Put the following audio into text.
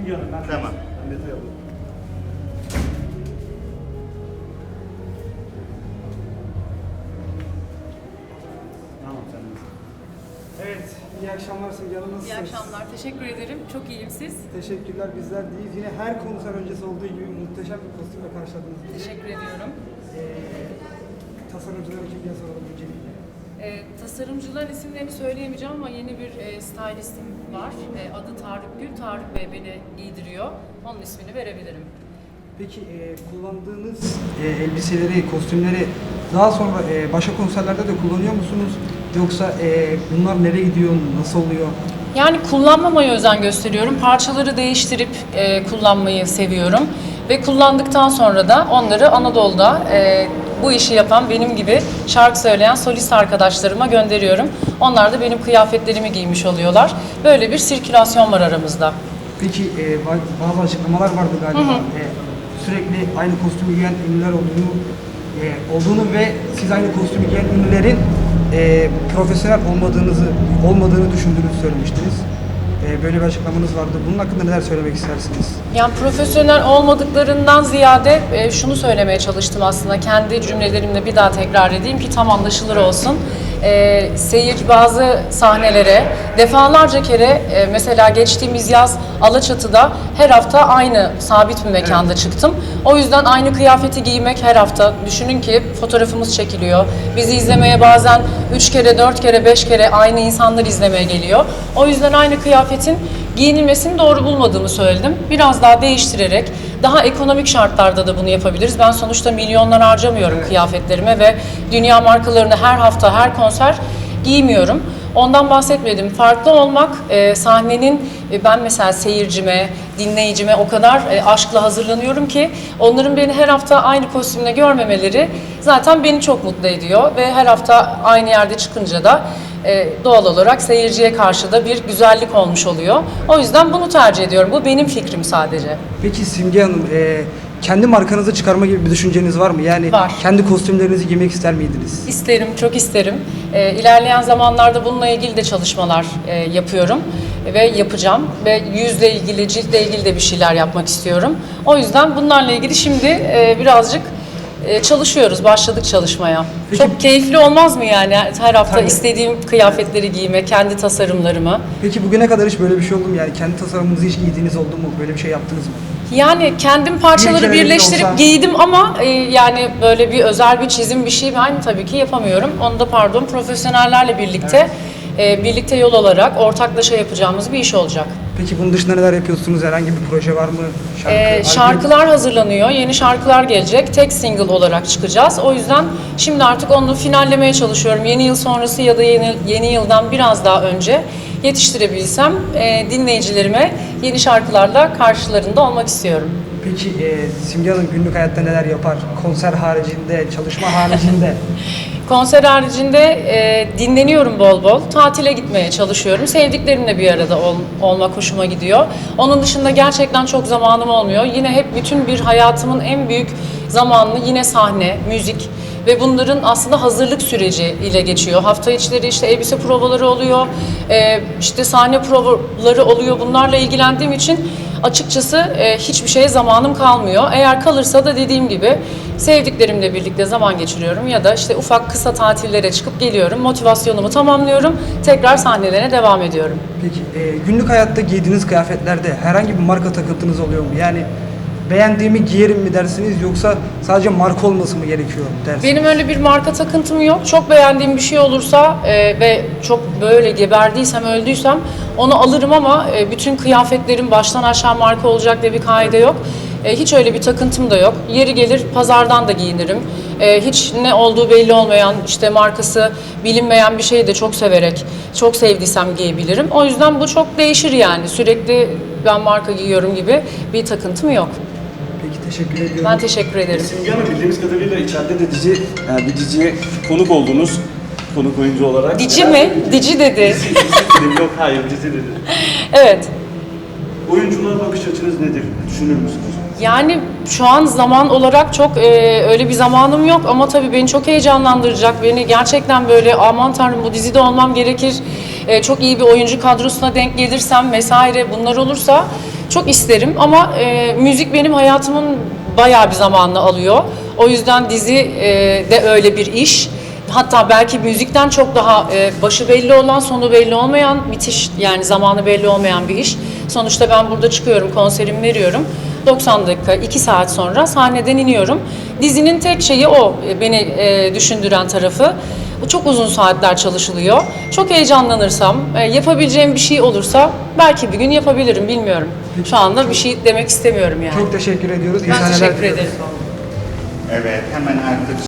Simge Hanım. Tamam. Ben detay alayım. Tamam sen de. Evet, iyi akşamlar Simge Hanım, nasılsınız? İyi akşamlar, teşekkür ederim. Çok iyiyim siz. Teşekkürler, bizler deyiz. Yine her konser öncesi olduğu gibi muhteşem bir kostümle karşıladınız. Teşekkür ediyorum. Tasarımcıları kim diye soralım öncelikle. Tasarımcıların isimlerini söyleyemeyeceğim ama yeni bir stylistim var. Adı Tarık Gül. Tarık Bey beni giydiriyor. Onun ismini verebilirim. Peki kullandığınız elbiseleri, kostümleri daha sonra başka konserlerde de kullanıyor musunuz? Yoksa bunlar nereye gidiyor, nasıl oluyor? Yani kullanmamaya özen gösteriyorum. Parçaları değiştirip kullanmayı seviyorum. Ve kullandıktan sonra da onları Anadolu'da bu işi yapan benim gibi şarkı söyleyen solist arkadaşlarıma gönderiyorum. Onlar da benim kıyafetlerimi giymiş oluyorlar. Böyle bir sirkülasyon var aramızda. Peki bazı açıklamalar vardı galiba. Sürekli aynı kostümü giyen ünlüler olduğunu ve siz aynı kostümü giyen ünlülerin profesyonel olmadığını düşündüğünüzü söylemiştiniz. Böyle bir açıklamanız vardı. Bunun hakkında neler söylemek istersiniz? Yani profesyonel olmadıklarından ziyade şunu söylemeye çalıştım aslında. Kendi cümlelerimle bir daha tekrar edeyim ki tam anlaşılır olsun. Seyirci bazı sahnelere defalarca kere mesela geçtiğimiz yaz Alaçatı'da her hafta aynı sabit bir mekanda çıktım. O yüzden aynı kıyafeti giymek her hafta. Düşünün ki fotoğrafımız çekiliyor. Bizi izlemeye bazen 3 kere, 4 kere, 5 kere aynı insanlar izlemeye geliyor. O yüzden aynı kıyafetin giyinilmesini doğru bulmadığımı söyledim. Biraz daha değiştirerek, daha ekonomik şartlarda da bunu yapabiliriz. Ben sonuçta milyonlar harcamıyorum kıyafetlerime ve dünya markalarını her hafta, her konser giymiyorum. Ondan bahsetmedim. Farklı olmak, sahnenin ben mesela seyircime, dinleyicime o kadar aşkla hazırlanıyorum ki onların beni her hafta aynı kostümle görmemeleri zaten beni çok mutlu ediyor ve her hafta aynı yerde çıkınca da doğal olarak seyirciye karşı da bir güzellik olmuş oluyor. O yüzden bunu tercih ediyorum. Bu benim fikrim sadece. Peki Simge Hanım, kendi markanızı çıkarma gibi bir düşünceniz var mı? Yani Var. kendi kostümlerinizi giymek ister miydiniz? İsterim, çok isterim. İlerleyen zamanlarda bununla ilgili de çalışmalar yapıyorum ve yapacağım. Ve yüzle ilgili, ciltle ilgili de bir şeyler yapmak istiyorum. O yüzden bunlarla ilgili şimdi birazcık çalışıyoruz, başladık çalışmaya. Peki- Çok keyifli olmaz mı yani her hafta Tabii. istediğim kıyafetleri giymek, kendi tasarımlarımı? Peki bugüne kadar hiç böyle bir şey oldu mu? Yani kendi tasarımınızı hiç giydiğiniz oldu mu? Böyle bir şey yaptınız mı? Yani kendim Bir parçaları kere bile birleştirip olsa- giydim ama yani böyle bir özel bir çizim bir şey ben tabii ki yapamıyorum. Onu da profesyonellerle birlikte birlikte yol alarak ortaklaşa yapacağımız bir iş olacak. Peki bunun dışında neler yapıyorsunuz? Herhangi bir proje var mı? Albüm? Şarkılar hazırlanıyor, yeni şarkılar gelecek. Tek single olarak çıkacağız. O yüzden şimdi artık onu finallemeye çalışıyorum. Yeni yıl sonrası ya da yeni yıldan biraz daha önce yetiştirebilsem dinleyicilerime yeni şarkılarla karşılarında olmak istiyorum. Peki Simge Hanım günlük hayatta neler yapar? Konser haricinde, çalışma haricinde? Konser haricinde dinleniyorum bol bol. Tatile gitmeye çalışıyorum. Sevdiklerimle bir arada olmak hoşuma gidiyor. Onun dışında gerçekten çok zamanım olmuyor. Yine hep bütün bir hayatımın en büyük zamanını yine sahne, müzik ve bunların aslında hazırlık süreci ile geçiyor. Hafta içleri işte elbise provaları oluyor, işte sahne provaları oluyor. Bunlarla ilgilendiğim için açıkçası hiçbir şeye zamanım kalmıyor. Eğer kalırsa da dediğim gibi sevdiklerimle birlikte zaman geçiriyorum ya da işte ufak kısa tatillere çıkıp geliyorum, motivasyonumu tamamlıyorum, tekrar sahnelere devam ediyorum. Peki günlük hayatta giydiğiniz kıyafetlerde herhangi bir marka takıntınız oluyor mu? Yani beğendiğimi giyerim mi dersiniz yoksa sadece marka olması mı gerekiyor dersiniz? Benim öyle bir marka takıntım yok. Çok beğendiğim bir şey olursa ve çok böyle geberdiysem, öldüysem onu alırım ama bütün kıyafetlerim baştan aşağı marka olacak diye bir kaide yok. Hiç öyle bir takıntım da yok. Yeri gelir pazardan da giyinirim. Hiç ne olduğu belli olmayan, işte markası bilinmeyen bir şeyi de çok severek, çok sevdiysem giyebilirim. O yüzden bu çok değişir yani. Sürekli ben marka giyiyorum gibi bir takıntım yok. Peki teşekkür ediyorum. Ben teşekkür ederim. Simge Hanım bildiğimiz kadarıyla içeride de bir diziye konuk oldunuz. Konuk oyuncu olarak. Dici mi? Dici dedi. Dizi dedim. Yok hayır dizi dedi. Evet. Oyunculuğa bakış açınız nedir? Düşünür müsünüz? Yani şu an zaman olarak çok öyle bir zamanım yok ama tabii beni çok heyecanlandıracak. Beni gerçekten böyle aman tanrım bu dizide olmam gerekir. Çok iyi bir oyuncu kadrosuna denk gelirsem vesaire bunlar olursa Çok isterim ama müzik benim hayatımın bayağı bir zamanını alıyor. O yüzden dizi de öyle bir iş. Hatta belki müzikten çok daha başı belli olan, sonu belli olmayan, bitiş yani zamanı belli olmayan bir iş. Sonuçta ben burada çıkıyorum, konserimi veriyorum. 90 dakika, 2 saat sonra sahneden iniyorum. Dizinin tek şeyi o, beni düşündüren tarafı. Çok uzun saatler çalışılıyor. Çok heyecanlanırsam, yapabileceğim bir şey olursa belki bir gün yapabilirim, bilmiyorum. Şu anda bir şey demek istemiyorum yani. Çok teşekkür ediyoruz. İyi Ben sahneler teşekkür diliyoruz. ederim. Evet, hemen artık